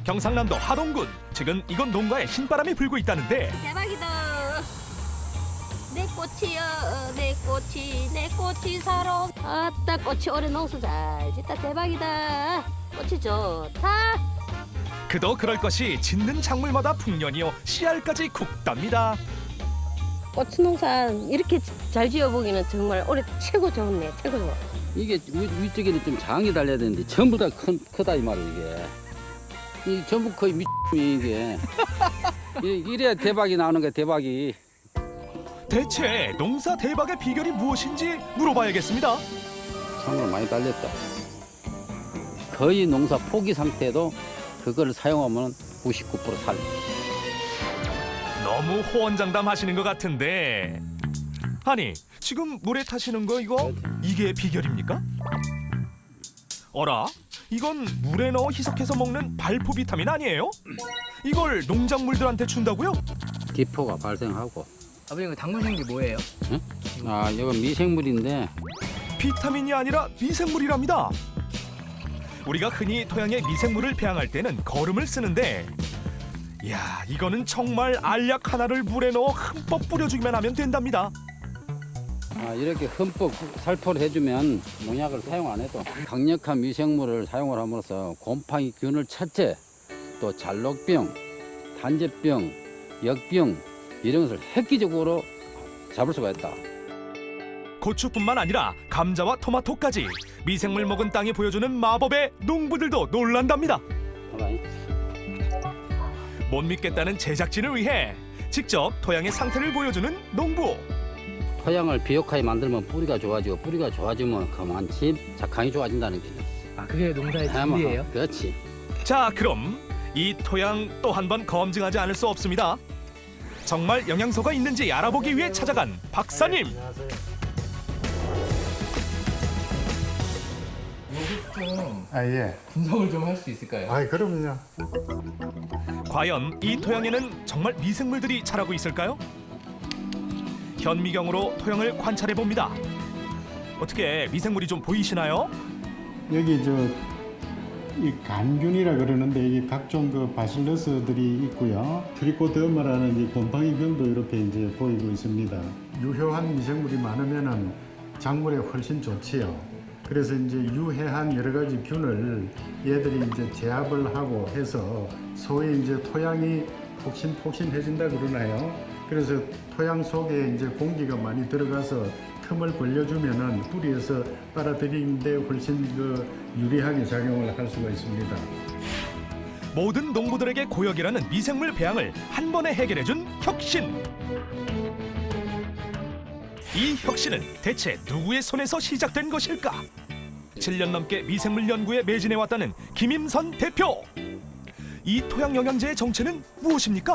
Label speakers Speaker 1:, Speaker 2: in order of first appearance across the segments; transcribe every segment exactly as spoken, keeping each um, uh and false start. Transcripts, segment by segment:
Speaker 1: 경상남도 하동군. 지금 이곳 농가에 신바람이 불고 있다는데
Speaker 2: 대박이다. 내 꽃이여, 내 꽃이, 내 꽃이 사러. 아따, 꽃이 올해 농사 잘 짓다. 대박이다. 꽃이 좋다.
Speaker 1: 그도 그럴 것이 짓는 작물마다 풍년이요 씨알까지 굵답니다.
Speaker 2: 꽃 농사 이렇게 잘 지어보기는 정말 올해 최고 좋네. 최고 좋아.
Speaker 3: 이게 위, 위쪽에는 좀 장이 달려야 되는데 전부 다 큰, 크다 이 말이야 이게. 이 전부 거의 미 이게. 이- 이래야 대박이 나오는 거야 대박이.
Speaker 1: 대체 농사 대박의 비결이 무엇인지 물어봐야겠습니다.
Speaker 3: 상으로 많이 달렸다. 거의 농사 포기 상태도 그거를 사용하면 구십구 퍼센트 살.
Speaker 1: 너무 호언장담하시는 것 같은데 아니 지금 물에 타시는 거 이거 이게 비결입니까? 어라? 이건 물에 넣어 희석해서 먹는 발포 비타민 아니에요? 이걸 농작물들한테 준다고요?
Speaker 3: 기포가 발생하고.
Speaker 4: 아버님 당구신 게 뭐예요?
Speaker 3: 응? 아 이건 미생물인데
Speaker 1: 비타민이 아니라 미생물이랍니다. 우리가 흔히 토양에 미생물을 배양할 때는 거름을 쓰는데 이야 이거는 정말 알약 하나를 물에 넣어 흠뻑 뿌려주기만 하면 된답니다.
Speaker 3: 아, 이렇게 흠뻑 살포를 해주면 농약을 사용 안 해도 강력한 미생물을 사용을 함으로써 곰팡이균을 첫째, 또 잘록병, 단제병, 역병 이런 것을 획기적으로 잡을 수가 있다.
Speaker 1: 고추뿐만 아니라 감자와 토마토까지 미생물 먹은 땅이 보여주는 마법에 농부들도 놀란답니다.
Speaker 3: 봐봐요.
Speaker 1: 못 믿겠다는 제작진을 위해 직접 토양의 상태를 보여주는 농부.
Speaker 3: 토양을 비옥하게 만들면 뿌리가 좋아지고 뿌리가 좋아지면 그만치 작황이 좋아진다는 게.
Speaker 4: 아 그게 농사의
Speaker 3: 아마,
Speaker 4: 진리예요?
Speaker 3: 그렇지.
Speaker 1: 자 그럼 이 토양 또 한 번 검증하지 않을 수 없습니다. 정말 영양소가 있는지 알아보기 위해 찾아간 박사님.
Speaker 4: 좀
Speaker 5: 아, 예.
Speaker 4: 분석을 좀 할 수 있을까요?
Speaker 5: 아, 그럼요.
Speaker 1: 과연 이 토양에는 정말 미생물들이 자라고 있을까요? 현미경으로 토양을 관찰해 봅니다. 어떻게 미생물이 좀 보이시나요?
Speaker 5: 여기 저 이 간균이라 그러는데 이게 각종 그 바실러스들이 있고요. 트리코더마라는 이 곰팡이균도 이렇게 이제 보이고 있습니다. 유효한 미생물이 많으면은 작물에 훨씬 좋지요. 그래서 이제 유해한 여러 가지 균을 얘들이 이제 제압을 하고 해서 소위 이제 토양이 폭신폭신해진다 그러나요? 그래서 토양 속에 이제 공기가 많이 들어가서 틈을 벌려주면은 뿌리에서 빨아들이는데 훨씬 그 유리하게 작용을 할 수가 있습니다.
Speaker 1: 모든 농부들에게 고역이라는 미생물 배양을 한 번에 해결해준 혁신. 이 혁신은 대체 누구의 손에서 시작된 것일까? 칠 년 넘게 미생물 연구에 매진해왔다는 김임선 대표. 이 토양 영양제의 정체는 무엇입니까?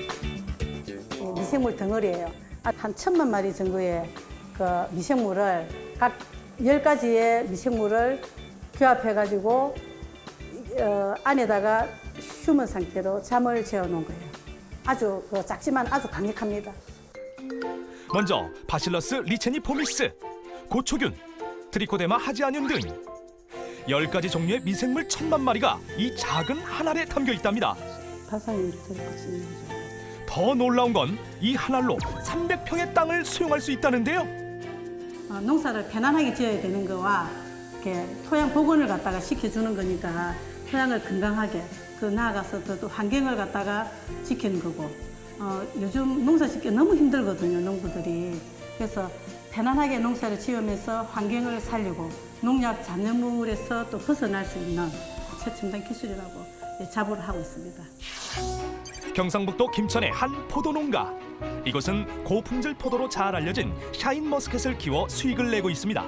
Speaker 6: 미생물 덩어리예요. 한 천만 마리 정도의 그 미생물을 각 열 가지의 미생물을 규합해가지고 어, 안에다가 휴먼 상태로 잠을 재워 놓은 거예요. 아주 그 작지만 아주 강력합니다.
Speaker 1: 먼저 바실러스 리체니포미스, 고초균, 트리코데마 하지아늄 등 열 가지 종류의 미생물 천만 마리가 이 작은 한 알에 담겨 있답니다.
Speaker 6: 발상이 들어있는 거죠.
Speaker 1: 더 놀라운 건 이 한 알로 삼백 평의 땅을 수용할 수 있다는데요.
Speaker 6: 어, 농사를 편안하게 지어야 되는 거와 이렇게 토양 복원을 갖다가 시켜주는 거니까 토양을 건강하게 그 나아가서 또, 또 환경을 갖다가 지키는 거고 어, 요즘 농사 짓기 너무 힘들거든요 농부들이. 그래서 편안하게 농사를 지으면서 환경을 살리고 농약 잔여물에서 또 벗어날 수 있는 최첨단 기술이라고 예, 자부를 하고 있습니다.
Speaker 1: 경상북도 김천의 한 포도 농가. 이곳은 고품질 포도로 잘 알려진 샤인머스켓을 키워 수익을 내고 있습니다.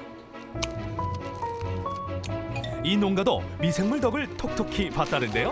Speaker 1: 이 농가도 미생물 덕을 톡톡히 봤다는데요.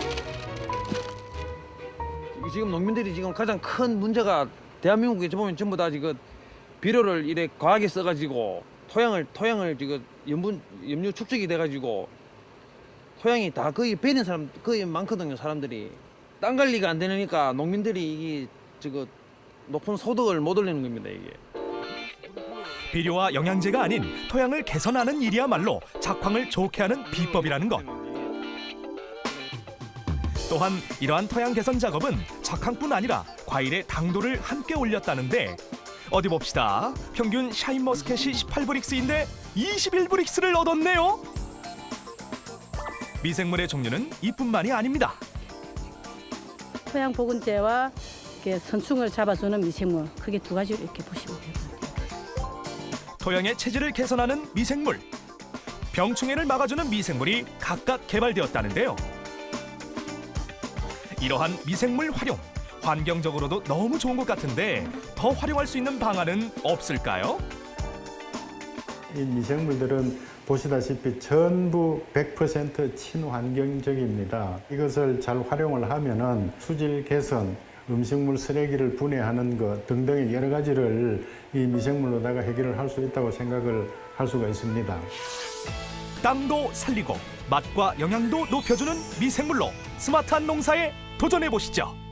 Speaker 7: 지금 농민들이 지금 가장 큰 문제가 대한민국에 보면 전부 다 지금 비료를 이래 과하게 써가지고 토양을 토양을 지금 염분 염류 축적이 돼가지고 토양이 다 거의 베린 사람 거의 많거든요. 사람들이 땅 관리가 안 되니까 농민들이 이게 지금 높은 소득을 못 올리는 겁니다. 이게.
Speaker 1: 비료와 영양제가 아닌 토양을 개선하는 일이야말로 작황을 좋게 하는 비법이라는 것. 또한 이러한 토양 개선 작업은 작황뿐 아니라 과일의 당도를 함께 올렸다는데 어디 봅시다. 평균 샤인머스켓이 십팔 브릭스인데 이십일 브릭스를 얻었네요. 미생물의 종류는 이뿐만이 아닙니다.
Speaker 6: 토양 보건제와 이렇게 선충을 잡아주는 미생물, 크게 두 가지로 이렇게 보시면 돼요.
Speaker 1: 토양의 체질을 개선하는 미생물, 병충해를 막아주는 미생물이 각각 개발되었다는데요. 이러한 미생물 활용, 환경적으로도 너무 좋은 것 같은데 더 활용할 수 있는 방안은 없을까요?
Speaker 5: 이 미생물들은 보시다시피 전부 백 퍼센트 친환경적입니다. 이것을 잘 활용을 하면은 수질 개선, 음식물 쓰레기를 분해하는 것 등등의 여러 가지를 이 미생물로다가 해결을 할 수 있다고 생각을 할 수가 있습니다.
Speaker 1: 땅도 살리고 맛과 영양도 높여주는 미생물로 스마트한 농사에 도전해 보시죠.